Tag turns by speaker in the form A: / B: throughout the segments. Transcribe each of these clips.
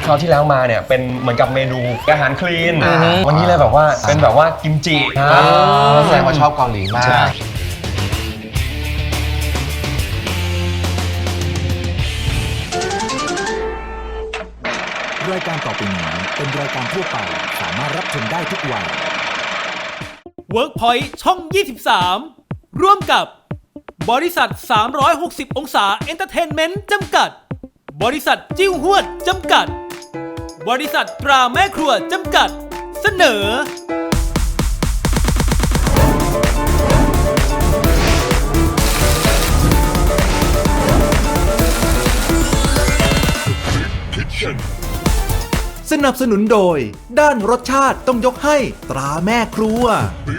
A: คราวที่แล้วมาเนี่ยเป็นเหมือนกับเมนูอาหารคลีนวันนี้เลยแบบว่าเป็นแบบว่ากิมจิ
B: แสดงว่าชอบเกาหลีมาก
C: รายการต่อไปนี้เป็นรายการทั่วไปสามารถรับชมได้ทุกวัย
D: WorkPoint ช่อง 23 ร่วมกับบริษัท 360 องศาเอนเตอร์เทนเมนต์จำกัดบริษัทจิ้วหวดจำกัดบริษัทตราแม่ครัวจำกัดเสนอ
C: สนับสนุนโดยด้านรสชาติต้องยกให้ตราแม่ครัว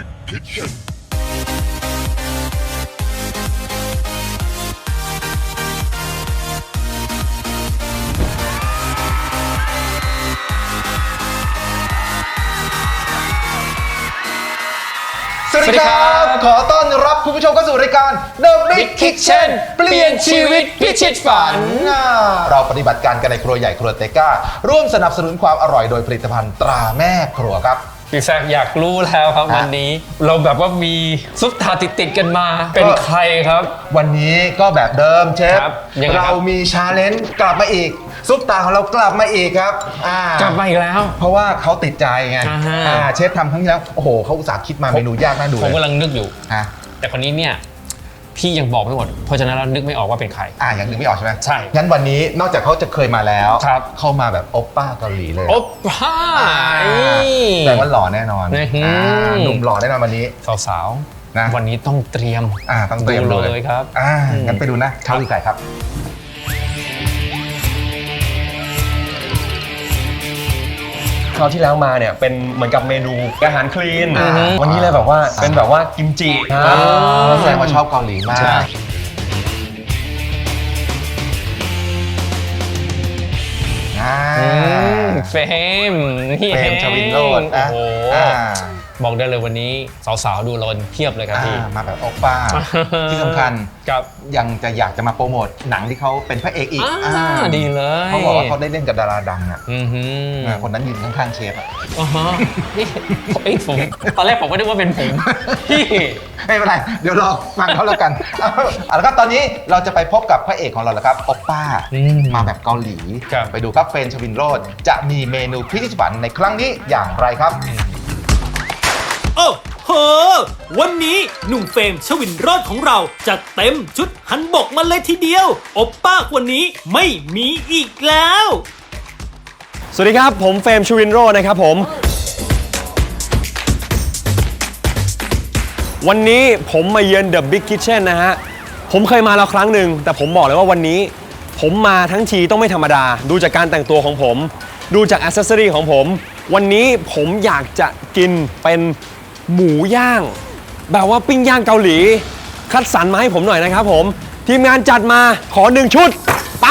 B: สวัสดีครับขอต้อนรับคุณผู้ชมเข้าสู่รายการ The Big Kitchen เปลี่ยนชีวิตพิชิตฝันเราปฏิบัติการกันในครัวใหญ่ครัวเตก้าร่วมสนับสนุนความอร่อยโดยผลิตภัณฑ์ตราแม่ครัวครับ
E: พี่แซคอยากรู้แล้วครับวันนี้เราแบบว่ามีซุปตาติดกันมาเป็นใครครับ
B: วันนี้ก็แบบเดิมเชฟเรามีชาเลนจ์กลับมาอีกซุปตาของเรากลับมาอีกครับ
E: กลับมาอีกแล้ว
B: เพราะว่าเขาติดใจไงเชฟทำครั้งที่แล้วโอ้โหเขาอุตส่าห์คิดมาเมนูยากน่าดู
E: ผมกำลังนึกอยู่แต่คนนี้เนี่ยพี่ยังบอกไม่หมดเพราะฉะนั้นเรานึกไม่ออกว่าเป็นใคร
B: ยังนึกไม่ออกใช่ไหม
E: ใช่
B: งั้นวันนี้นอกจากเขาจะเคยมาแล้วเข้ามาแบบโอปป้าเกาหลีเลย
E: โอปป้า
B: แต่ว่าหล่อแน่นอนหนุ่มหล่อแน่นอนวันนี้
E: สาวๆนะวันนี้ต้องเตรียมเลยครับ
B: งั้นไปดูนะเขาคือใครครับ
A: คราวที่แล้วมาเนี่ยเป็นเหมือนกับเมนูอาหารคลีนวันนี้เลยแบบว่าเป็นแบบว่ากิมจิ
B: แสดงว่าชอบเกาหลีมาก
E: เฟม
B: ชวินโรจน์
E: โอ้โหบอกได้เลยวันนี้สาวๆดูรอนเพียบเลยครับพี่
B: มาแบบโอป้าที่สำคัญยังจะอยากจะมาโปรโมทหนังที่เขาเป็นพระเอกอีก
E: ดีเลย
B: เขาบอกว่าเขาได้เล่นกับดาราดังอ่ะคนนั้นยืนข้างๆเชฟอ่ะ
E: นี่ผมตอนแรกผมก็นึกว่าเป็นผมพี่
B: ไม่เป็นไรเดี๋ยวรอฟังเขาแล้วกันแล้วก็ตอนนี้เราจะไปพบกับพระเอกของเราแล้วครับโอป้ามาแบบเกาหลีไปดูครับเฟรนชวินโรจน์จะมีเมนูพิชิตฝันในครั้งนี้อย่างไรครับ
D: โอ้โหวันนี้หนุ่มเฟรมชวินโรจน์ของเราจัดเต็มชุดฮันบกมาเลยทีเดียวโอปป้าวันนี้ไม่มีอีกแล้ว
A: สวัสดีครับผมเฟรมชวินโรจน์นะครับผมวันนี้ผมมาเยือน The Big Kitchen นะฮะผมเคยมาแล้วครั้งหนึ่งแต่ผมบอกเลยว่าวันนี้ผมมาทั้งทีต้องไม่ธรรมดาดูจากการแต่งตัวของผมดูจากแอคเซสซอรี่ของผมวันนี้ผมอยากจะกินเป็นหมูย่างแบบว่าปิ้งย่างเกาหลีคัดสรรมาให้ผมหน่อยนะครับผมทีมงานจัดมาขอ1ชุดไป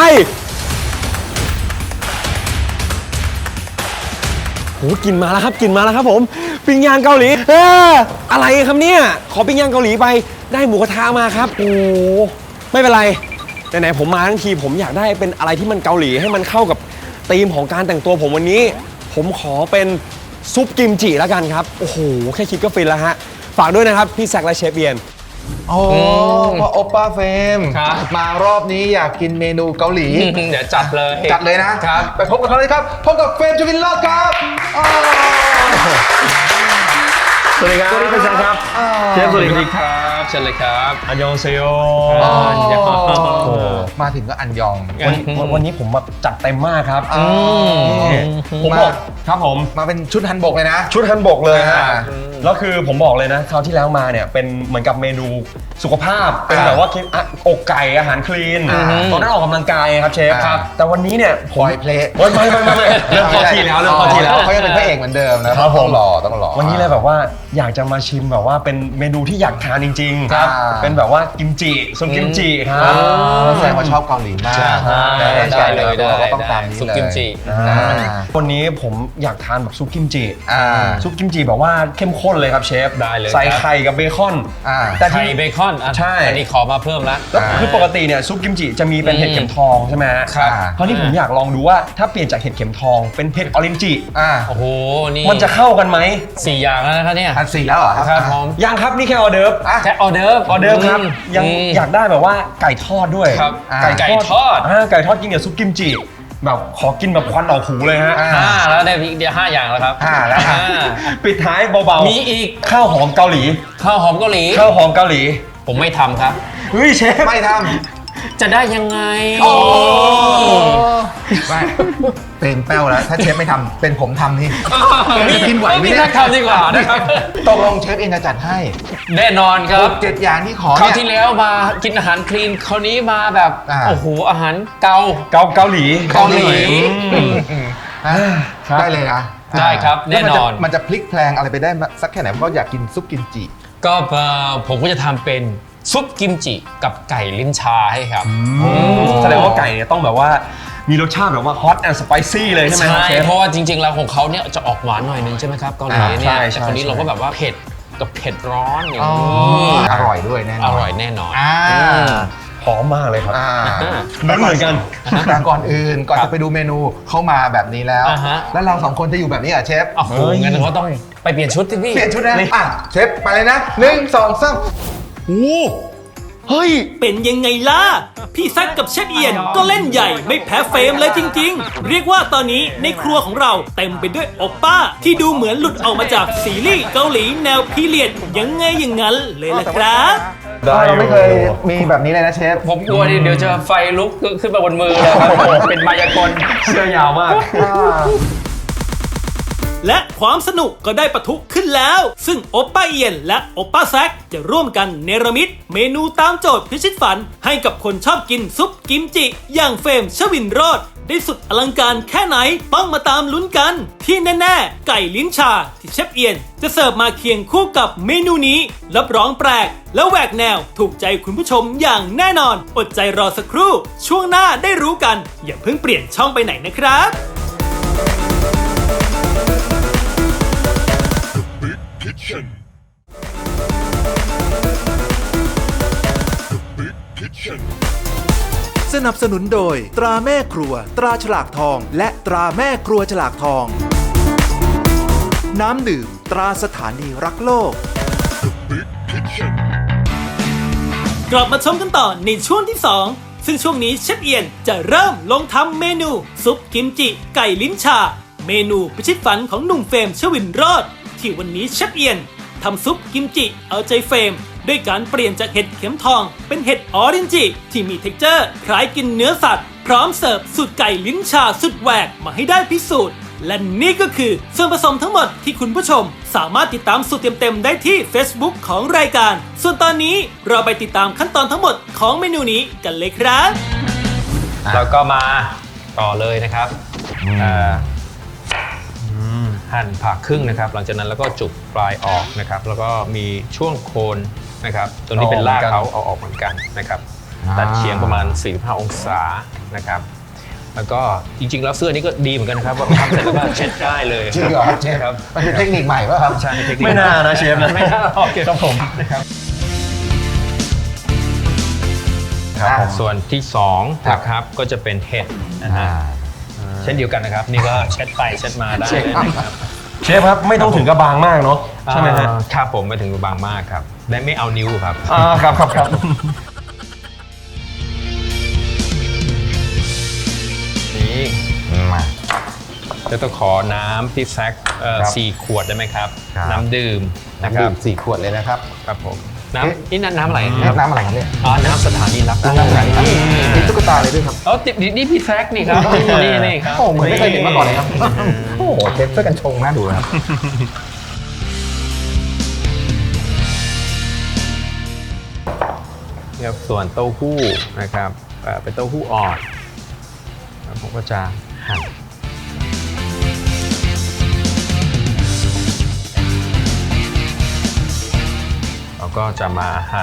A: โหกินมาแล้วครับกินมาแล้วครับผมปิ้งย่างเกาหลีอะไรครับเนี่ยขอปิ้งย่างเกาหลีไปได้หมูกระทะมาครับโอ้ไม่เป็นไรไหนๆผมมาทั้งทีผมอยากได้เป็นอะไรที่มันเกาหลีให้มันเข้ากับธีมของการแต่งตัวผมวันนี้ผมขอเป็นซุปกิมจิแล้วกันครับโอ้โหแค่คิดก็ฟินแล้วฮะฝากด้วยนะครับพี่แซคและเชฟเบียน
B: โอ้พอโอป้าเฟรมมารอบนี้อยากกินเมนูเกาหลี
E: เดี๋ยวจัดเลย
B: นะครับไปพบกับเขาเลยครับพบกับเฟรมชวินโรจน์ครับ
A: สวัสดีครับสวัสดีครับเชฟสวัสดีครับ
E: เชิญเลยครับ
A: อันยองเซโย
B: มาถึงก็อันยอง
A: วันนี้ผมแบบจัดเต็มมากครับผมบอกครับผม
B: มาเป็นชุดฮันบกเลยนะ
A: ชุดฮันบกเลยฮะแล้วคือผมบอกเลยนะคราวที่แล้วมาเนี่ยเป็นเหมือนกับเมนูสุขภาพเป็นแบบว่าอกไก่อาหารคลีนตอนนั้นออกกำลังกายครับเชฟครับแต่วันนี้เนี่ย
B: ปล่อยเพลย์
A: ไม่เริ่มพอทีแล้ว
B: เขายังเป็นพระเอกเหมือนเดิมนะครับต้องรอ
A: วันนี้เลยแบบว่าอยากจะมาชิมแบบว่าเป็นเมนูที่อยากทานจริงง
B: ครับ
A: เป็นแบบว่ากิมจิซุปกิมจิครับ
B: แสดงว่าชอบเกาหลีมาก
E: ได้เลย
B: ก็ต้อง
E: ได้
B: ตามนี้
E: ซุป
B: เลย
E: กิมจิ
A: วันนี้ผมอยากทานแบบซุปกิมจิ
B: อ่า
A: ซุปกิมจิแบบว่าเข้มข้นเลยครับเชฟ
E: ได้เลย
A: ใส่
E: ครับ
A: ไข่กับเบคอน
B: อ่า
A: แต่
E: ไข่
A: ที่
E: เบคอนอ่ะ
A: ใช่
E: อันนี้ขอมาเพิ่มละ
A: แล้วคือปกติเนี่ยซุปกิมจิจะมีเป็นเห็ดเข็มทองใช่ไหมฮะ
E: ครับ
A: คราวนี้ผมอยากลองดูว่าถ้าเปลี่ยนจากเห็ดเข็มทองเป็นเห็ดออรินจิ
B: อ่า
E: โอ้โห นี่
A: มันจะเข้ากันไหม
E: 4 อย่างแล้วนะครับเนี่ย
B: อัน4แล้วเหรอ
E: ครับผม
A: ยังครับนี่แค่ออเดิร์ฟ
E: แค่ออเดิร์ฟ
A: ออเดิร์ฟครับยังอยากได้แบบว่าไก่ทอดด้วย
E: ครับ ไก่ทอด
A: ไก่ทอดกินกับซุปกิมจิแบบขอกินแบบควันออกหูเลยฮะ
E: 5 แล้วได้อีกเดียว5 อย่างแล้วครับ
B: 5แล้วครับ
A: ปิดท้ายเบา
E: มีอีก
A: ข้าวหอมเกาหลี
E: ข้าวหอมเกาหลี
A: ข้าวหอมเกาหลี
E: ผมไม่ทำครับ
A: เฮ้ยเชฟ
B: ไม่ท
E: จะได้ยังไง
B: ำไม่เป็นแป้วแล้ว ถ้าเชฟไม่ทำเป็นผมทำนี่จะกินไหวไหม
E: นี่
B: เนี่ย
E: ทำดีกว่านะครับ
B: ตกลงเชฟเองจะจัดให้
E: แน่นอนครับ
B: 7 อย่างที่ขอ
E: คราว
B: เนี่ย
E: ที่แล้วมากินอาหารคลีน คราวนี้มาแบบ
B: อ่า
E: โอ้โห อาหารเกา
A: เกาหลี
E: เกาหลี
B: อ่ะ
A: ครับ
B: ได้เลยนะ
E: ได้ครับ
B: ล้ว
E: แน่นอน
B: มันจะพลิกแพลงอะไรไปได้สักแค่ไหนเพราะอยากกินซุปกิมจิ
E: ก็ผมก็จะทำเป็นซุปกิมจิกับไก่ลิ้นชาให้ครับ
A: แสดงว่าไก่เนี่ยต้องแบบว่ามีรสชาติแบบว่าฮอตแอนด์สไปซี่เลยใช่ไหมครับเชฟ
E: เพราะว่าจริงๆแล้วของเขาเนี่ยจะออกหวานหน่อยนึงใช่ไหมครับเกาหลีเนี่ย
A: ใช่
E: แต่คราวนี้
A: ใช่
E: เราก็แบบว่าเผ็ดกับเผ็ดร้อนอย่าง
B: อ๋อ
E: นี้
B: อร่อยด้วยแน่นอน
E: อร่อยแน่นอน
B: อ่า
A: หอมมากเลยครับ
B: อ่า
A: มันเหมือนกัน
B: แต่ก่อนอื่นก่อน
E: ครับ
B: จะไปดูเมนูเข้ามาแบบนี้แล้ว
E: อ่าฮะ
B: แล้วเรา2 คนจะอยู่แบบนี้เหรอ่ะเชฟ
E: โอ้โหงั้นเขาต้องไปเปลี่ยนชุดที่พี่
B: เปลี่ยนชุดนะอ่ะเชฟไปเลยนะ1 2 3
A: เฮ้ย
D: เป็นยังไงล่ะ พี่แซคกับเชฟเอียนก็เล่นใหญ่ไม่แพ้เฟรมเลยจริงๆ เรียกว่าตอนนี้ในครัวของเราเต็มไปด้วยโอปป้า ที่ดูเหมือนหลุดออกมาจากซีรีส์เกาหลีแนวพีเรียดยังไงอย่างนั้นเลยล่ะครับ
A: ได้อยู่
B: เราไม่เคยมีแบบนี้เลยนะเชฟ
E: ผมกลัวเดี๋ยวจะไฟลุกขึ้นมาบนมือเลยครับเป็นมายากล
A: เสื้อยาวมาก
D: และความสนุกก็ได้ปะทุขึ้นแล้ว ซึ่งโอปป้าเอียนและโอปป้าแซคจะร่วมกันเนรมิตเมนูตามโจทย์พิชิตฝัน ให้กับคนชอบกินซุปกิมจิ อย่างเฟรมชวินโรจน์ได้สุดอลังการแค่ไหนต้องมาตามลุ้นกัน ที่แน่ๆ ไก่ลิ้นชาที่เชฟเอียนจะเสิร์ฟมาเคียงคู่กับเมนูนี้รับรองแปลก และแหวกแนวถูกใจคุณผู้ชมอย่างแน่นอนอดใจรอสักครู่ช่วงหน้าได้รู้กัน อย่าเพิ่งเปลี่ยนช่องไปไหนนะครับ
C: สนับสนุนโดยตราแม่ครัว ตราฉลากทอง และตราแม่ครัวฉลากทอง น้ำดื่ม ตราสถานีรักโลก
D: กลับมาชมกันต่อในช่วงที่ 2 ซึ่งช่วงนี้เชฟเอียนจะเริ่มลงทำเมนูซุปกิมจิไก่ลิ้นชา เมนูพิชิตฝันของหนุ่มเฟรมชวินโรจน์ที่วันนี้เชฟเอียนทำซุปกิมจิเอาใจเฟรมด้วยการเปลี่ยนจากเห็ดเข็มทองเป็นเห็ดออรินจิที่มีเท็กเจอร์คล้ายกินเนื้อสัตว์ พร้อมเสิร์ฟสูตรไก่ลิ้นชาสุดแหวกมาให้ได้พิสูจน์ และนี่ก็คือส่วนผสมทั้งหมดที่คุณผู้ชมสามารถติดตามสูตรเต็มๆได้ที่ Facebook ของรายการ ส่วนตอนนี้เราไปติดตามขั้นตอนทั้งหมดของเมนูนี้กันเลยครับ
E: แล้วก็มาต่อเลยนะครับหั่นผ่าครึ่งนะครับ หลังจากนั้นแล้วก็จุกปลายออกนะครับ แล้วก็มีช่วงโคนนะครับตัวนี้เป็นรากเขาเอาออกเหมือนกันนะครับตัดเฉียงประมาณ 45 องศานะครับ แล้วก็จริงๆแล้วเสื้อนี้ก็ดีเหมือนกันนะครับว่าทำเสร็จแล้วก็เช็ดได้เลย
B: จริงเหรอครับเชฟ
E: ครับ
B: มันเป็นเทคนิคใหม่ป่ะครับ
E: ใช่เทคนิค
A: ไม่น่านะเชฟนะ
E: ไม่น่าโอเคครับผมนะครับ
B: ครับผม
E: ส่วนที่2นะครับก็จะเป็นเห็ดนะฮะเช่นเดียวกันนะครับ นี่ก็เช็ดไปเช็ดมาได้เลยนะครับ
A: เชฟครับไม่ต้องถึงกับบางมากเนาะใช่ไหมฮะ
E: ครับผมไปถึงบางมากครับและไม่เอานิ้วครับ
A: ครับครับครับ
E: นี่
B: มา
E: จะต้องขอน้ำที่แซก
B: ครับ
E: 4 ขวดได้ไหมครับ
B: ครับ
E: น้ำดื่มนะค
B: ดื่
E: รับ
B: ม4 ขวดเลยนะครับ
E: ครับผม
B: เอ๊ะ
E: นี่น้ำอะไรครับ
B: น้ำอะไรครับเนี่ย
E: อ๋อน้ำสถานีรับโล
B: น้ำ
E: ก
B: อะไรมีตุ๊กตาเลยด้วยครับ
E: อ๋อนี่พี่แซกนี่ครับนี่ครับ
B: โอ้เหมือนไม่เคยเห็นมาก่อนเลยครับ โอ้โหเชฟช่วยกันชงน่าดูนะครับ
E: นี่ครับส่วนเต้าหู้นะครับเป็นเต้าหู้อ่อนแล้วผมก็จะหั่นก็จะมาหั่น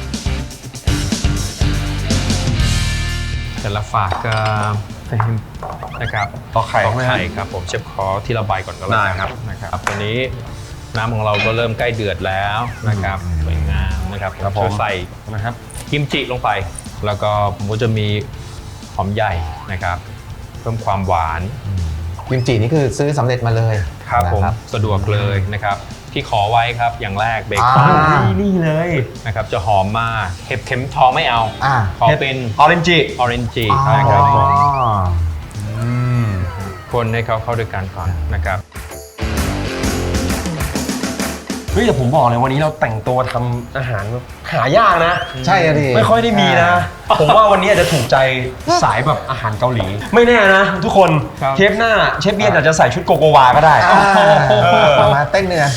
E: แต่ละฝากก็นะครับ
A: ต่อไข่ไหมครับ
E: ไข่ครับผมเชฟขอทีละใบก่อนก็แล้ว
A: ได้
E: กัน
A: ครับ
E: นะครับตอนนี้น้ำของเราก็เริ่มใกล้เดือดแล้วนะครับสวยงามนะครับ
A: ครับผม
E: จะใส่
A: นะครับ
E: กิมจิลงไป แล้วก็ผมก็จะมีหอมใหญ่นะครับเพิ่มความหวาน
B: กิมจินี่คือซื้อสำเร็จมาเลย
E: ครับผม
B: นะ
E: สะดวกเลยนะครับที่ขอไว้ครับอย่างแรกเบคอน
A: นี่เลย
E: นะครับจะหอมมากเห็ดเข็มทองไม่เอา
B: อ่า
E: ขอเป็น
A: ออเรนจิ
E: ออเรนจินะครับผม
B: อ๋อ
E: คนให้เขาเข้าด้วยกันก่อนนะครับ
A: เฮ้ยแต่ผมบอกเลยวันนี้เราแต่งตัวทำอาหารหายากนะ
B: ใช่อะดิ
A: ไม่ค่อยได้มีนะ ผมว่าวันนี้อาจจะถูกใจสายแบบอาหารเกาหลี ไม่แน่นะ ทุกคน
E: ครับ
A: เทปหน้าเชฟเบียนอาจจะใส่ชุดโกโกวาก็ได้
B: มาเต้นเนื้อ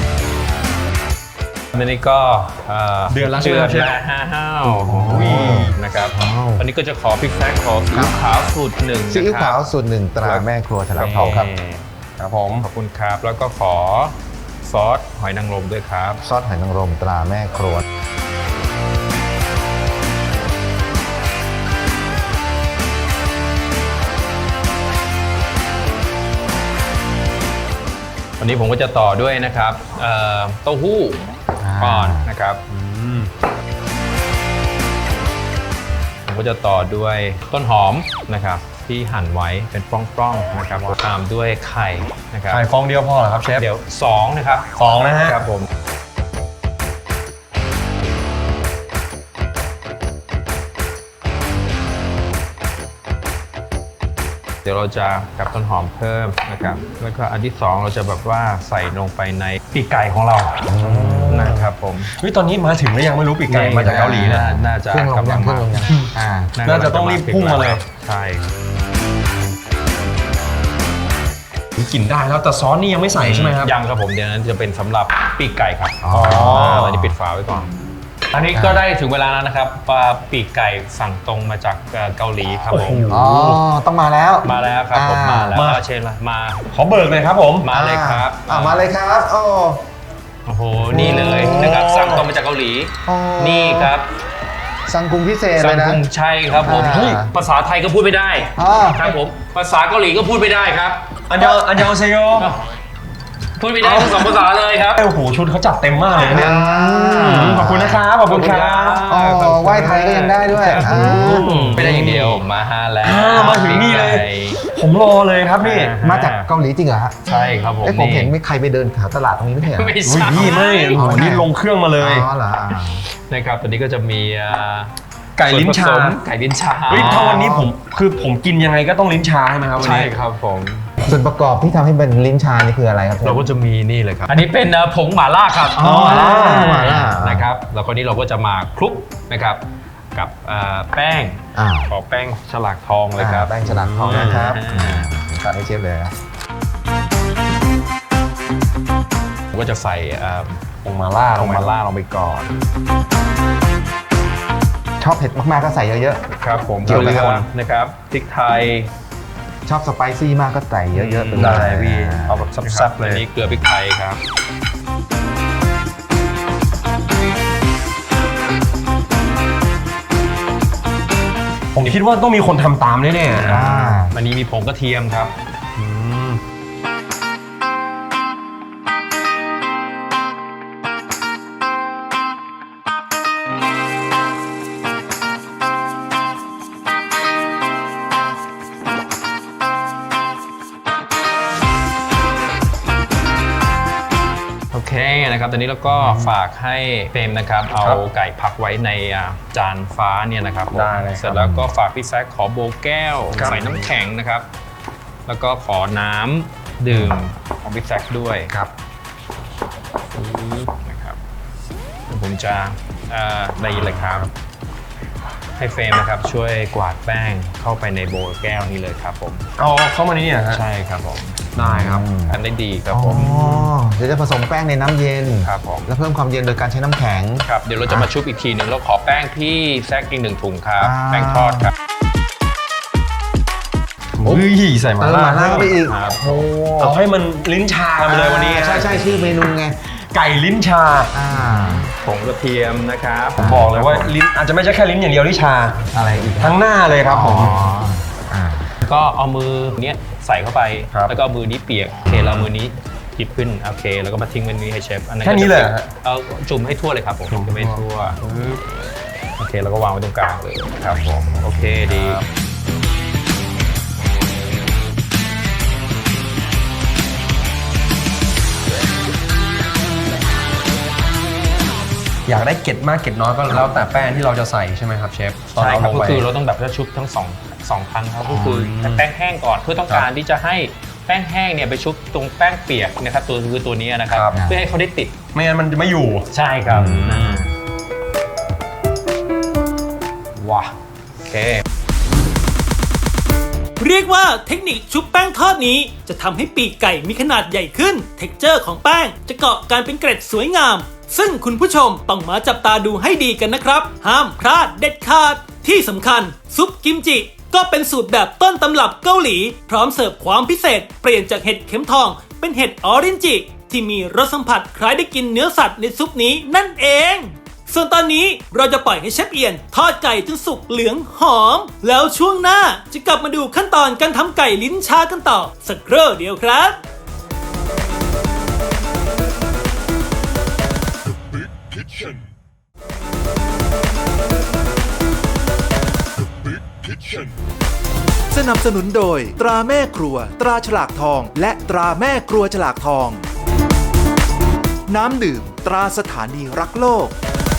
E: อันนี้ก็
A: เดือนละใช่ไหมครับเชฟ
E: ห้าวนะครับ
B: ว้าว
E: อันนี้ก็จะขอพริกแซกขอซีอิ๊วขาวสูตรหนึ่ง
B: ซีอิ๊ว
E: นะค
B: ขา
E: รั
B: ว
E: บ
B: สูตรหนึ่งตราแม่ครัวฉลากทองครับ
A: ครับผม
E: ขอบคุณครับ แล้วก็ขอซอสหอยนางรมด้วยครับ
B: ซอสหอยนางรมตราแม่ครัว
E: วันนี้ผมก็จะต่อด้วยนะครับเต้าหู้ก่อนนะครับผมก็จะต่อด้วยต้นหอมนะครับที่หั่นไว้เป็นปล้องๆนะครับตามด้วยไข่นะครับ
A: ไข่ฟองเดียวพอเหรอครับเชฟ
E: เดี๋ยว2นะครับ
A: สองนะฮะ
E: ครับผมเดี๋ยวเราจะกับต้นหอมเพิ่มนะครับแล้วก็อันที่2เราจะแบบว่าใส่ลงไปในปีกไก่ของเรานะครับผม
A: เฮ้ยตอนนี้มาถึงแล้วยังไม่รู้ปีกไก่มาจากเกาหลีนะ
E: น่าจะ
B: เครื่องลงยัง
E: กำ
B: เครื่องลงยังอ่า
A: น่าจะต้องรีบพุ่งมาเลย
E: ใช่
A: กลิ่นได้แล้วแต่ซอสนี่ยังไม่ใส่ใช่ไหมครับ
E: ยังครับผมเดี๋ยวนั้นจะเป็นสำหรับปีกไก่ครับ
B: อ๋อ
E: อันนี้ปิดฝาไว้ก่อน อันนี้ก็ได้ถึงเวลาแล้วนะครับปลาปีกไก่สั่งตรงมาจากเกาหลีครับผม
B: อ๋อ ต้องมาแล้ว
E: มาแล้วครับผมมาแล้ว
A: มา
E: เชิญมา
A: ขอเบิกเลยครับผม
E: มาเลยครับ
B: มาเลยครับโอ้
E: โอ้โหนี่เลยนะครับสั่งตรงมาจากเกาหลี
B: อ๋อ
E: นี่ครับ
B: สั่งกรุงพิเศษ
E: สั่
B: เล
E: ง
B: ยนะ
E: กรุงใช่ครับผม
B: อ่า
E: เฮ้ยภาษาไทยก็พูดไม่ได้
B: อ๋อ
E: ครับผมภาษาเกาหลีก็พูดไม่ได้ครับ
A: อันยองเซโย
E: พูดไม่ได้ทั้งสองภาษาเลยครับ
A: โอ้โหชุดเขาจัดเต็มมากเลยนะเนี่ยขอบคุณนะครับขอบคุณครับ
B: อ๋อไหว้ไทยก็ยังได้ด้วยอ่า
E: ไม่ได้อย่างเดียวมาฮาแล้ว
A: มาถึงนี่เลย ผมรอเลยครับนี่
B: มาจากเกาหลีจริงเหรอฮะ
E: ใช่ครับผม
B: ผมเห็นมีใครไปเดินแถวตลาดตรงนี้ไม่ใช่เหรอ
E: ไม่
A: โอ้ย
E: ใช่
A: พี่ไม่โอ้โหนี่ลงเครื่องมาเลย
B: อ๋อเหรอ
E: นะครับตอนนี้ก็จะมี
A: ไก่ลิ้นชา
E: ส่วผสมไก่ลิ้นชา
A: เฮ้ยถ้าวันนี้ผมกินยังไงก็ต้องลิ้นชาใช่ไหมครับวัน
E: ใช่
A: นี้
E: ครับผม
B: ส่วนประกอบที่ทำให้เป็นลิ้นชานี่คืออะไรครับ
E: เราก็จะมีนี่เลยครับ อันนี้เป็นผงหม่าล่าครับ
B: อ๋อหม่าล่า
E: นะครับแล้วก็นี้เราก็จะมาคลุกนะครับกับแป้ง
B: อ่า
E: ขอแป้งฉลากทองเลยครับ
B: แป้งฉลากทองนะครับ
E: อ่า
B: ตัดให้เชฟเลยนะ
E: ผมก็จะใส่
A: ผงมาล่า
E: ผงหม่าล่าลงไปก่อน
B: ชอบเผ็ดมากๆก็ใส่เยอะ
E: ครับผม
B: เกี่ยวไหมครับ
E: กลือนะครับพริกไทย
B: ๆ ชอบสไปซี่มากก็ใส่เยอะๆไปเลย
A: ได้พี่เอาแบบ
E: นะค
A: ซั
E: รั
A: บบ ๆเลย
E: อันนี้เกลือพริกไทยครับ
A: ผมคิดว่าต้องมีคนทำตามแน่ๆ
B: อ่า
E: อันนี้มีผงกระเทียมครับ โอเคนะครับตอนนี้เราก็ฝากให้เฟรมนะครับเอาไก่พักไว้ในจานฟ้าเนี่ยนะครับผม
A: ได้เลยครับ
E: เสร็จแล้วก็ฝากพี่แซคขอโบว์แก้ว
A: ครับ
E: ใส่น้ำแข็งนะครับ แล้วก็ขอน้ำดื่มของพี่แซคด้วย
A: ครับ
E: นะครับเดี๋ยวผมจะได้ยินเลยครับ ให้เฟรมนะครับช่วยกวาดแป้งเข้าไปในโบว์แก้วนี้เลยครับผม
A: เอาเข้ามาในนี่เหรอฮะ
E: ใช่ครับผม
A: ได้ครับ
E: ทำได้ดีครับ
B: อ๋อ
E: ผม
B: เดี๋ยวจะผสมแป้งในน้ำเย็น
E: ครับผม
B: แล้วเพิ่มความเย็นโดยการใช้น้ำแข็ง
E: ครับเดี๋ยวเราจะมาชุบอีกทีหนึ่งเราขอแป้งพี่แซคอีก1 ถุงครับ
B: อ่า
E: แป้งทอดครับ
A: เฮ้ยใส่มา
B: เติมหม่าล่าเข้าไปอีก
E: ครับ
B: โอ้
A: เอาให้มันลิ้นชากันไปเลยวันนี้
B: ใช่ชื่อเมนูไง
A: ไก่ลิ้นชา
B: อ่า
E: ผงกระเทียมนะครับ
A: บอกเลยว่าลิ้นอาจจะไม่ใช่แค่ลิ้นอย่างเดียวที่ชา
B: อะไรอีก
A: ทั้งหน้าเลยครับผม
B: อ่า
E: ก็เอามือเนี้ยใส่เข้าไป
A: ครับ
E: แล้วก็เอามือนี้เปียกโอเคแล้วเอามือนี้หยิบขึ้นโอเคแล้วก็มาทิ้งไว้นี้ให้เชฟอันนั้น
A: แค่นี้เลยเหรอฮะ
E: เอาจุ่มให้ทั่วเลยครับผมจุ่มให้ทั่วโอเคแล้วก็วางไว้ตรงกลางเลยครับผมโอเคดี
A: อยากได้เกล็ดมากเกล็ดน้อยก็แล้วแต่แป้งที่เราจะใส่ใช่ไหมครับเชฟตอน
E: ใช่
A: เอา
E: ค
A: ล
E: รับ
A: ง
E: ก็
A: ไป
E: คือเราต้องแบบชุบทั้งสองครั้งครับก็คือแป้งแห้งก่อนเพื่อต้องการที่จะให้แป้งแห้งเนี่ยไปชุบตรงแป้งเปียกนะครับตัวนี้นะครับ
A: ครับ
E: เพื่อให้เขาได้ติด
A: ไม่งั้นมันจะไม่อยู่
E: ใช่ครับว้าโอเค
D: เรียกว่าเทคนิคชุบแป้งทอดนี้จะทำให้ปีกไก่มีขนาดใหญ่ขึ้น เท็กเจอร์ของแป้งจะเกาะกันเป็นเกร็ดสวยงาม ซึ่งคุณผู้ชมต้องมาจับตาดูให้ดีกันนะครับ ห้ามพลาดเด็ดขาด ที่สำคัญซุปกิมจิก็เป็นสูตรแบบต้นตำรับเกาหลี พร้อมเสิร์ฟความพิเศษเปลี่ยนจากเห็ดเข็มทองเป็นเห็ดออรินจิที่มีรสสัมผัสคล้ายได้กินเนื้อสัตว์ในซุปนี้นั่นเอง ส่วนตอนนี้เราจะปล่อยให้เชฟเอียนทอดไก่จนสุกเหลืองหอม แล้วช่วงหน้าจะกลับมาดูขั้นตอนการทำไก่ลิ้นชากันต่อสักครู่เดียวครับ
C: สนับสนุนโดยตราแม่ครัว ตราฉลากทอง และตราแม่ครัวฉลากทอง น้ำดื่ม ตราสถานีรักโลก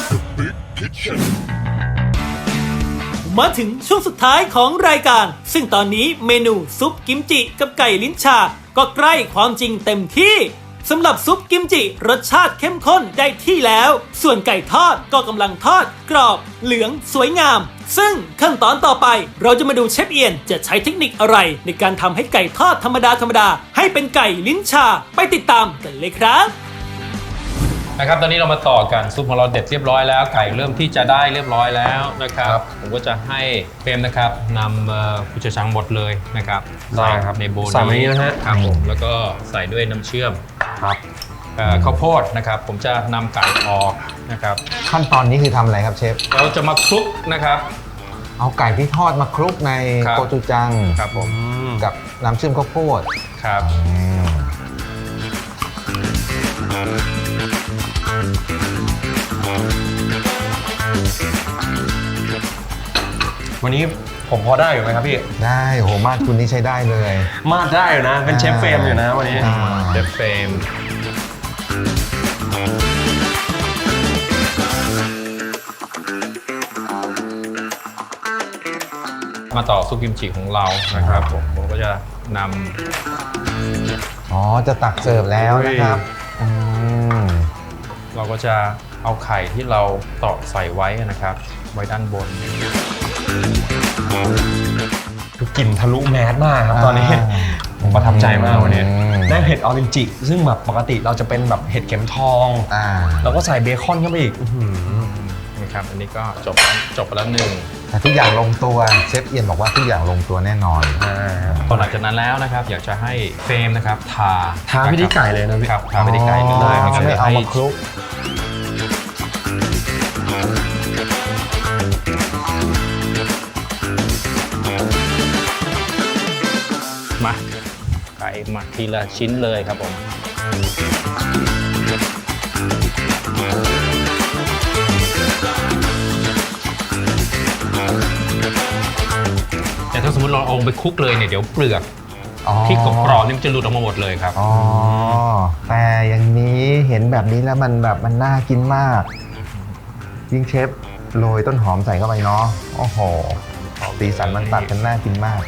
D: มาถึงช่วงสุดท้ายของรายการ ซึ่งตอนนี้เมนูซุปกิมจิกับไก่ลิ้นชาก็ใกล้ความจริงเต็มที่สำหรับซุปกิมจิรสชาติเข้มข้นได้ที่แล้ว ส่วนไก่ทอดก็กำลังทอดกรอบเหลืองสวยงาม ซึ่งขั้นตอนต่อไปเราจะมาดูเชฟเอียนจะใช้เทคนิคอะไรในการทำให้ไก่ทอดธรรมดาให้เป็นไก่ลิ้นชาไปติดตามกันเลยครับ
E: นะครับตอนนี้เรามาต่อกันซุปของเราเด็ดเรียบร้อยแล้วไก่เริ่มที่จะได้เรียบร้อยแล้วนะครับผมก็จะให้เฟรมนะครับนำกุชชังหมดเลยนะครับ
A: ได้ครับ
E: ในโบว์
A: ใส่ไว้นี้นะฮะ
E: ครับผมแล้วก็ใส่ด้วยน้ำเชื่อม
A: ครับ
E: ข้าวโพดนะครับผมจะนำไก่ออกนะครับ
B: ขั้นตอนนี้คือทำอะไรครับเชฟ
E: เราจะมาคลุกนะครับ
B: เอาไก่ที่ทอดมาคลุกใน
E: ครับ
B: โกจูจัง
E: ครับผม
B: กับน้ำเชื่อมข้าวโพด
E: ครับ
A: วันนี้ผมพอได้อยู่ไหมครับพี่
B: ได้โหมาดคุณนี่ใช้ได้เลย
A: มาดได้อยู่นะ เป็นเชฟเฟรมอยู่นะวันนี้
E: เดฟเฟรมมาต่อซุปกิมจิของเรานะครับผมก็จะนำ
B: อ๋อ จะตักเสิร์ฟแล้วนะครับอืม
E: เราก็จะเอาไข่ที่เราตอกใส่ไว้นะครับ ไว้ด้านบน
A: คือกลิ่นทะลุแมสมากครับตอนนี้ผมประทับใจมากวันนี้ได้เห็ดออรินจิซึ่งแบบปกติเราจะเป็นแบบเห็ดเข็มทอง แล้วก็ใส่เบคอนเข้าไปอีกอื้อหือ
E: นะครับ อันนี้ก็จบไปแล้วหนึ่ง
B: แต่ทุกอย่างลงตัวเชฟเอียนบอกว่าทุกอย่างลงตัวแน่นอน
E: พอหลังจากนั้นแล้วนะครับ อยากจะให้เฟรมนะครับทา
A: ไปที่ไก่เลยนะพี่
E: ครับทาไปที่ไก่เลย
B: อ๋อ
E: นะครับ
B: ไม่เอามาคลุก
E: มาไก่มาทีละชิ้นเลยครับผมแต่ถ้าสมมติเราเอาไปคลุกเลยเนี่ยเดี๋ยวเปลือก ที่กรอบๆนี่มันจะหลุดออกมาหมดเลยครับ
B: อ๋อ แต่อย่างนี้เห็นแบบนี้แล้วมันน่ากินมาก ยิ่งเชฟโรยต้นหอมใส่เข้าไปเนาะ โอ้โห สีสันมันตัดกันน่ากินมาก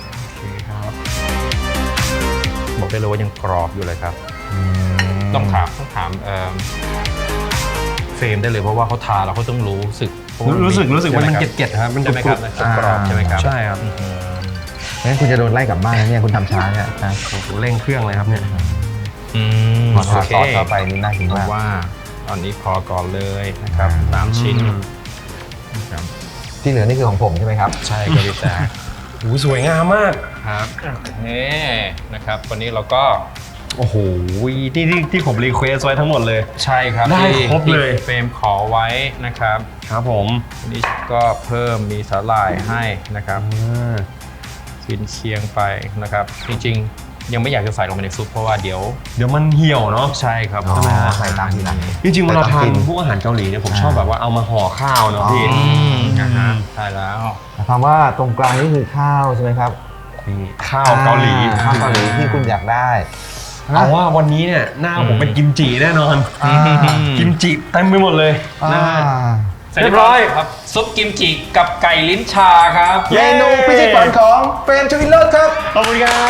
E: บอกได้เลยว่ายังกรอบอยู่เลยครับ ต้องถามเฟรมได้เลยเพราะว่าเขาทาแล้วเขาต้องรู้สึก
A: รู้สึกว่ามันเกล็ดๆครับมัน
E: ใช่ไหม
A: ก
E: ค
A: รุ
E: รับบ กรอบใช่ไหมครับ
A: ใช่ครับ
B: งั้นคุณจะโดนไล่กลับบ้านนะเนี่ยคุณทำช้าเนี่ยนะ
A: เร่งเครื่องเลยครับเนี่ย
B: พอทา
E: โอเค
B: ซอสเข้าไปนี่น่ากิน
E: ผม
B: มาก
E: ว่าตอนนี้พอก่อนเลยนะครับ3ชิ้นนะครับ
B: ที่เหลือนี่คือของผมใช่ไหมครับ
E: ใช่ครับพี่แจ๊ค
A: โอ้โหสวยงามมาก
E: ครับนี่นะครับวันนี้เราก็
A: โอ้โหที่ผมรีเควสไว้ทั้งหมดเลย
E: ใช่ครับ
A: ได้ครบเลย
E: ที่เฟรมขอไว้นะครับ
A: ครับผม
E: อันนี้ก็เพิ่มมีสาหร่ายให้นะครับกินเคียงไปนะครับ จริงๆยังไม่อยากจะใส่ลงไปในซุปเพราะว่าเดี๋ยว
A: มันเหี่ยวเนาะ
E: ใช่ครับ
B: อ๋อ
E: ใช่ไหมฮะ
B: ใส่ตามทีหลัง
A: จริงๆเวลาทา
B: แต่ต้องกิ
A: น
B: น
A: พวกอาหารเกาหลีเนี่ยผมชอบแบบว่าเอามาห่อข้าวเนาะพี่
E: นะฮะใช่แล้ว
B: คำว่าตรงกลางนี่คือข้าวใช่ไหมครับ
A: นี่ข้าวเกาหลี
B: ข้าวเกาหลีที่คุณอยากได้
A: เอาว่าวันนี้เนี่ยหน้าผมเป็นกิมจิแน่นอน กิมจิเต็มไปหมดเลยนะฮะ เรียบร้อย
E: ครับซุปกิมจิกับไก่ลิ้นชาครับ
B: เมนูพิชิตฝันของเฟรมชวินเลิศครับ
A: ขอบคุณครับ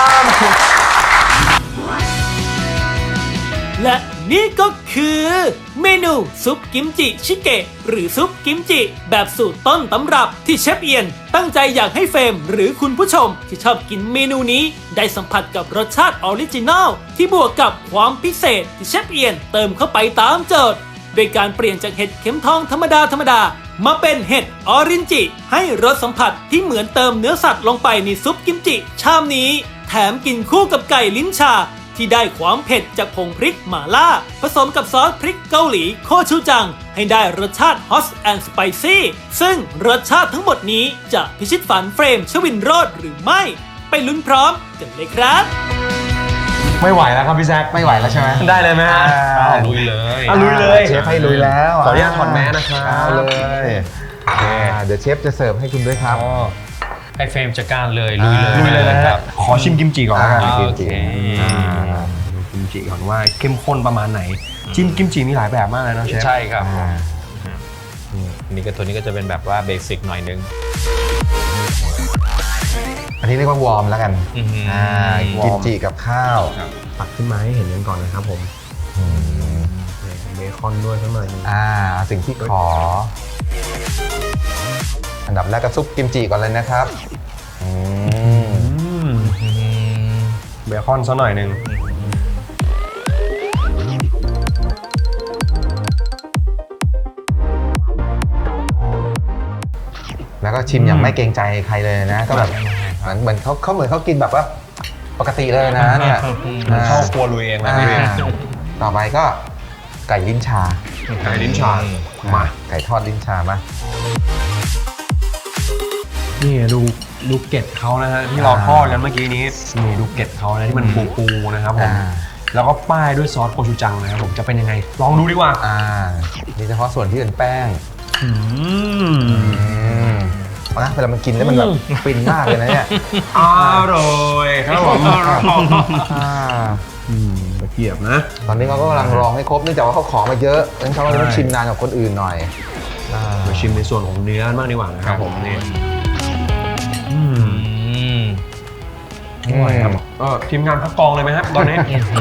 D: และนี่ก็คือเมนูซุปกิมจิชิเกะหรือซุปกิมจิแบบสูตรต้นตำรับที่เชฟเอียนตั้งใจอยากให้เฟรมหรือคุณผู้ชมที่ชอบกินเมนูนี้ได้สัมผัสกับรสชาติออริจินัลที่บวกกับความพิเศษที่เชฟเอียนเติมเข้าไปตามโจทย์โดยการเปลี่ยนจากเห็ดเข็มทองธรรมดามาเป็นเห็ดออรินจิให้รสสัมผัสที่เหมือนเติมเนื้อสัตว์ลงไปในซุปกิมจิชามนี้แถมกินคู่กับไก่ลิ้นชาที่ได้ความเผ็ดจากผงพริกหม่าล่าผสมกับซอสพริกเกาหลีโคชูจังให้ได้รสชาติ Hot and Spicy ซึ่งรสชาติทั้งหมดนี้จะพิชิตฝันเฟรมชวินโรจน์หรือไม่ไปลุ้นพร้อมกันเลยครับ
A: ไม่ไหวแล้วครับพี่แซค
B: ไม่ไหวแล้วใช่ไหม
A: ได้เลยไหมฮะ
E: ลุยเลย
A: ลุยเลย
B: เชฟให้ลุยแล้ว
A: ขออนุญาตถอดแมสนะครับ
B: เอาเลยเดี๋ยวเชฟจะเสิร์ฟให้คุณด้วยครับ
E: ให้เฟรมจัดการเลยลุยเลย
A: ลุยเลยนะ
E: ค
A: ค
E: รั
A: รับ บขอชิมกิมจิก่อนแล้วกัน
E: โอเค
A: ดูกิมจิก่อนว่าเข้มข้นประมาณไหนจิ้มกิมจิมีหลายแบบมากเลยนะเชฟ
E: ใช่ครับ
B: อ่า
E: นี่ก็ตัวนี้ก็จะเป็นแบบว่าเบสิกหน่อยนึง
B: อันนี้เรียกว่าวอร์มแล้วกัน
E: อื้อหือ
B: กิมจิกับข้าว
A: ตักขึ้นมาให้เห็นกันก่อนนะครับผมเบคอนด้วยข้างใน
B: สิ่งที่ขอ อันดับแรกก็ซุปกิมจิก่อนเลยนะครับ
A: เบคอนซะหน่อยหนึ่ง
B: แล้วก็ชิมอย่างไม่เกรงใจใครเลยนะ ก็แบบเหมือนเขากินแบบว่าปกติเลยนะเนี่ย
A: มันเข้าครัวลุยเองนะ
B: อ่า
A: พี่
B: ต่อไปก็ไก่ลิ้นชา
A: ไก่ลิ้นชามา
B: ไก่ทอดลิ้นชามา
A: นี่ดูเกล็ดเขานะฮะที่เราทอดกันเมื่อกี้นี้นี่ดูเกล็ดเขานะที่มันปูๆนะครับผมแล้วก็ป้ายด้วยซอสโคชูจังนะครับผมจะเป็นยังไงลองดูดีกว่า
B: นี่เฉพาะส่วนที่เป็นแป้ง
A: ม
B: นะเวลามันกินแล้วมันแบบฟินมากเลยนะเนี่ย
A: อร่อยครับผมตะเกียบนะ
B: ตอนนี้เขาก็กำลังรองให้ครบเนื่องจากว่าเขาขอมาเยอะงั้นเขาก็ต้องชิมนานกว่าคนอื่นหน่อย
A: มาชิมในส่วนของเนื้อบ้างดีกว่านะครับผมนี่อร่อยครับทีมงานพักกองเลยไหมครับตอนนี้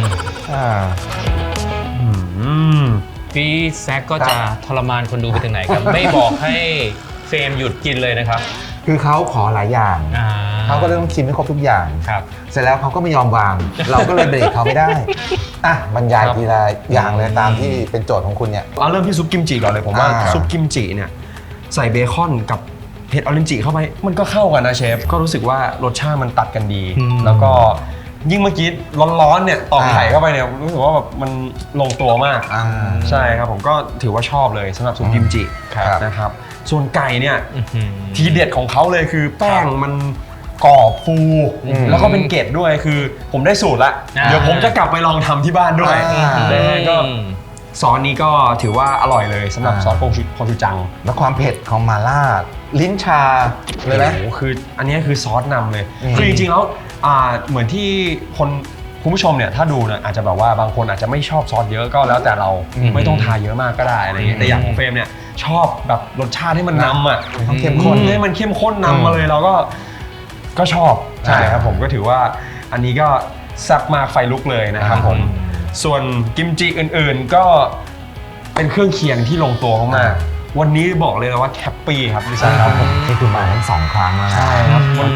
E: พี่แซคก็จะทรมานคนดูไปถึงไหนครับ ไม่บอกให้เฟรมหยุดกินเลยนะครับ
B: คือเขาขอหลายอย่างเขาก็เลยต้องชิมให้ครบทุกอย่าง
E: ครับ
B: เสร็จแล้วเขาก็ไม่ยอมวาง เราก็เลยเบรกเขาไม่ได้บรรยายทีละอย่างเลยตามที่เป็นโจทย์ของคุณเนี่ย
A: เอาเริ่มที่ซุปกิมจิก่อนเลยผมว่าซุปกิมจิเนี่ยใส่เบคอนกับเห็ดออรินจิเข้าไปมันก็เข้ากันนะเชฟก็รู้สึกว่ารสชาติมันตัดกันดี แล้วก็ยิ่งเมื่อกี้ร้อนๆเนี่ยตอกไข่เข้าไปเนี่ยรู้สึกว่าแบบมันลงตัวมากใช่ครับผมก็ถือว่าชอบเลยสำหรับซุปกิมจินะครับส่วนไก่เนี่ยทีเด็ดของเขาเลยคือแป้งมันกรอบฟูแล้วก็เป็นเกล็ดด้วยคือผมได้สูตรละเดี๋ยวผมจะกลับไปลองทำที่บ้านด้วยก็ซอสนี้ก็ถือว่าอร่อยเลยสำหรับซอสโคชูจัง
B: แล้วความเผ็ดของมาล่าลิ้นชาเลยไหม
A: โอ้โหคืออันนี้คือซอสนำเลยคือจริงๆแล้วเหมือนที่คุณผู้ชมเนี่ยถ้าดูเนี่ยอาจจะแบบว่าบางคนอาจจะไม่ชอบซอสเยอะก็แล้วแต่เราไม่ต้องทาเยอะมากก็ได้อะไรเงี้ยแต่อย่างของเฟรมเนี่ยชอบแบบรสชาติให้มันนำอ่ะเข้มข้นให้มันเข้มข้นนำมาเลยเราก็ชอบใช่ครับผมก็ถือว่าอันนี้ก็แซ่บมากไฟลุกเลยนะครับผมส่วนกิมจิอื่นๆก็เป็นเครื่องเคียงที่ลงตัวมากๆวันนี้บอกเลยนะว่าแฮปปี้ครับพี่แซคครับผม
B: นี่คือมาทั้ง2 ครั้งแล้วนะ
A: ใช่ครับ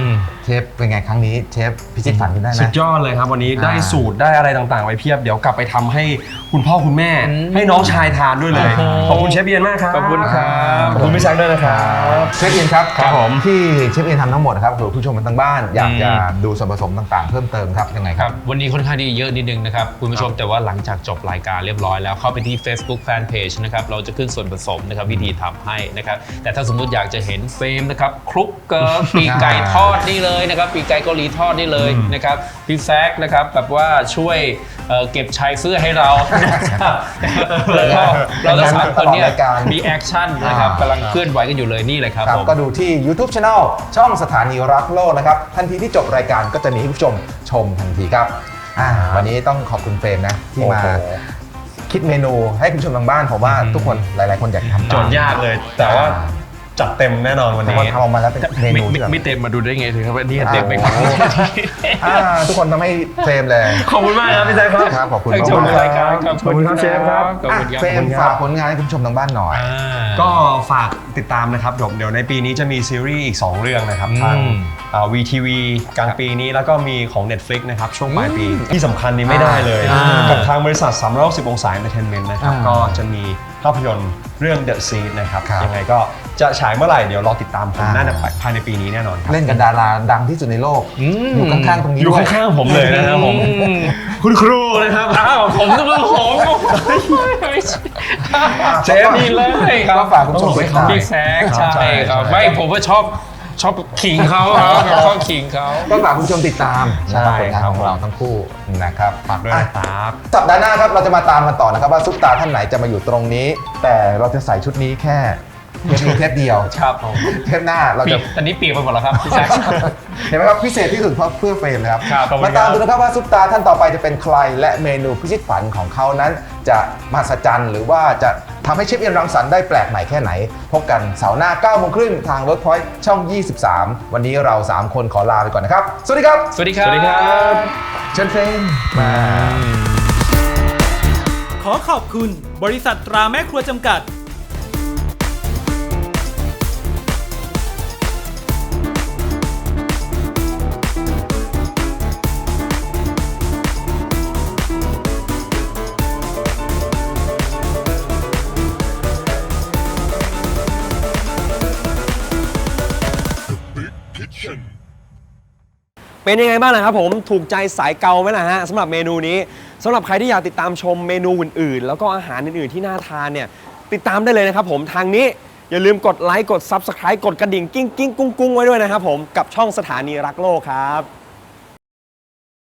B: เชฟเป็นไงครั้งนี้เชฟพิชิตฝันคุณได้ไหม
A: สุดยอดเลยครับวันนี้ได้
B: อ่า
A: สูตรได้อะไรต่างๆไปเพียบเดี๋ยวกลับไปทำให้คุณพ่อคุณแม่ให้น้องชายทานด้วยเลย ขอบคุณเชฟเอียนมากครับ
E: ขอบคุณครับ
A: ขอบคุณพี่แซคด้วยนะครับ
B: เชฟเอียนครับ
A: ครับผม
B: ที่เชฟเอียนทำทั้งหมดนะครับผู้ชมทางบ้านอยากจะดูส่วนผสมต่างๆ เพิ่มเติมครับยังไง
E: ค
B: ค
E: รั
B: รั
E: บบ วันนี้ค่อนข้างที่เยอะนิดนึงนะครับคุณผู้ชมแต่ว่าหลังจากจบรายการเรียบร้อยแล้วเข้าไปที่ Facebook Fanpage นะครับเราจะขึ้นส่วนผสมนะครับวิธีทำให้นะครับแต่ถ้าสมมุติอยากจะเห็นเฟรมนะครับคลุกเกลือปีกไก่ทอดนี่เลยนะครับปีกไก่เกาหลีทอดนี่เลยนะครับพี่แซคนะครับแบบว่าช่วยเก็บชายเสื้อให้เรานะครับแล้วก็เราทั้งสามคนเนี่ยมีแอคชั่นนะครับกำลังเคลื่อนไหวกันอยู่เลยนี่เลยครับ
B: ครับ
E: ผม
B: ก็ดูที่ YouTube Channel ช่องสถานีรักโลกนะครับทันทีที่จบรายการก็จะมีให้ผู้ชมชมทันทีครับวันนี้ต้องขอบคุณเฟรมนะที่มา
A: โอ้โห
B: คิดเมนูให้คุณผู้ชมทางบ้านผมว่าทุกคนหลายๆคนอยากทำ
A: โจทย์ยากเลย แต่ว่าจัดเต็มแน่นอนวัน
B: แต่
A: นี้
B: ว่าทำออกมาแล้วเป็นเมนูที่แบบ
E: ไม่เต็มมาดูได้ไงถึงครับว่านี่เต็มไปครับ
B: ทุกคนทำให้เฟรมเลย
A: ขอบคุณมากครับพี่แซคครับ
B: ครับขอบคุณ
E: ทั้งชม
B: มากๆ
E: รายการขอบ
A: ขอบคุณครับเชฟครับ
E: ขอบคุณครับ
B: เฟรมฝากผลงานให้คุณผู้ชมทางบ้านหน่อย
A: ก็ฝากติดตามนะครับเดี๋ยวในปีนี้จะมีซีรีส์อีก 2 เรื่องนะครับทาง VTV กลางปีนี้แล้วก็มีของ Netflix นะครับช่วงปลายปีที่สำคัญนี้ไม่ได้เลย กับทางบริษัท360องศา Entertainment นะครับก็จะมีภาพยนตร์เรื่อง The Seed นะครับ
B: ครับ
A: ยังไงก็จะฉายเมื่อไหร่เดี๋ยวรอติดตามผมน่าจะภายในปีนี้แน่นอนครับ
B: เล่นกับดาราดังที่สุดในโลกอยู่ข้างๆตรงนี้
A: อยู่
B: ด้วย
A: ข้างๆผมเลยนะครับผมคุณครูนะครับ
E: อ้าวผมต้องเป็นผม
A: เชฟ
E: นี่เลยครับ
B: ก็ฝากคุณผู้ชมไว้ครับ
E: พี่แซคใช่ครับไม่ผมว่าชอบขิงเขาครับชอบขิงเขา
B: ก็ฝากคุณผู้ชมติดตาม
A: ใช่
B: นะครับผลงานของ
A: ครับ
B: เราทั้งคู่นะครับ
A: ฝากด้วยนะครับ
B: สัปดาห์หน้าครับเราจะมาตามกันต่อนะครับว่าซุปตาท่านไหนจะมาอยู่ตรงนี้ แต่เราจะใส่ชุดนี้แค่เทปนี้เทปเดียว
E: ครับผม
B: เทปหน้าเราจะ
E: ตอนนี้เปียกไปหมดแล้วครับพี่แซค
B: เห็นไหมครับพิเศษที่สุดเพราะเพื่อเฟรมนะครับ
E: ครับขอบคุณ
B: มาตาม
E: ครับ
B: ดูนะครับว่าซุปตาท่านต่อไปจะเป็นใครและเมนูพิชิตฝันของเขานั้น จะมหัศจรรย์หรือว่าจะทำให้เชฟเอียนรังสรรค์ได้แปลกใหม่แค่ไหน พบกันเสาร์หน้า 9:30 ทาง Workpoint ช่อง 23 วันนี้เรา 3 คนขอลาไปก่อนนะครับ สวัสดีครับ
E: สวัสดีครับ
B: เชิญเฟรมมา
D: ขอขอบคุณบริษัทตราแม่ครัวจำกัด
A: เป็นยังไงบ้างนะครับผมถูกใจสายเกาไหมล่ะฮะสำหรับเมนูนี้สำหรับใครที่อยากติดตามชมเมนูอื่นๆ แล้วก็อาหารอื่นๆที่น่าทานเนี่ยติดตามได้เลยนะครับผมทางนี้อย่าลืมกดไลค์กด Subscribe กดกระดิ่งกิ้งกิ้งกุ้งกุ้งไว้ด้วยนะครับผมกับช่องสถานีรักโลกครับ